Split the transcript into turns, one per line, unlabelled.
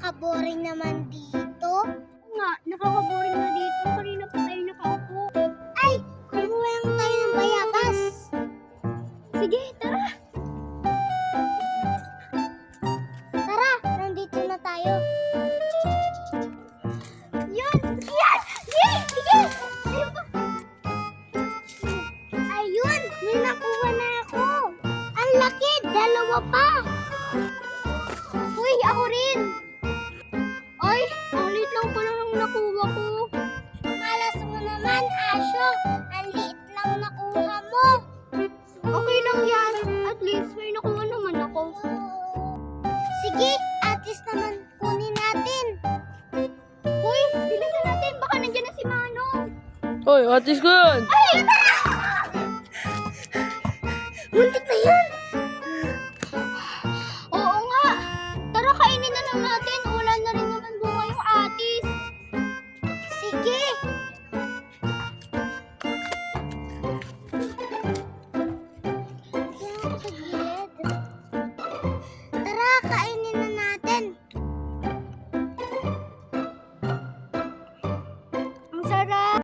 nakaka-boring naman dito.
Nga, nakaka-boring na dito. Kanina pa tayo nakaupo.
Ay, kumuha lang tayo ng bayabas.
Sige, tara.
Tara, nandito na tayo.
Yan! Yan! Yay! Sige! Ayun pa.
Ayun, may nakuha na ako. Ang laki, dalawa pa.
Uy, ako rin. Ay, ang liit lang pala nang nakuha ko.
Malas mo naman, Asyo. Ang liit lang nakuha mo.
Okay lang yan. At least may nakuha naman ako.
Sige, at least naman kunin natin.
Uy, bilisan natin. Baka nandiyan na si Manong.
Hoy, atis ko yan!
Ay!
Muntik na yan.
Oo nga. Tara, kainin na lang natin. Wala na rin naman bunga yung atis.
Sige.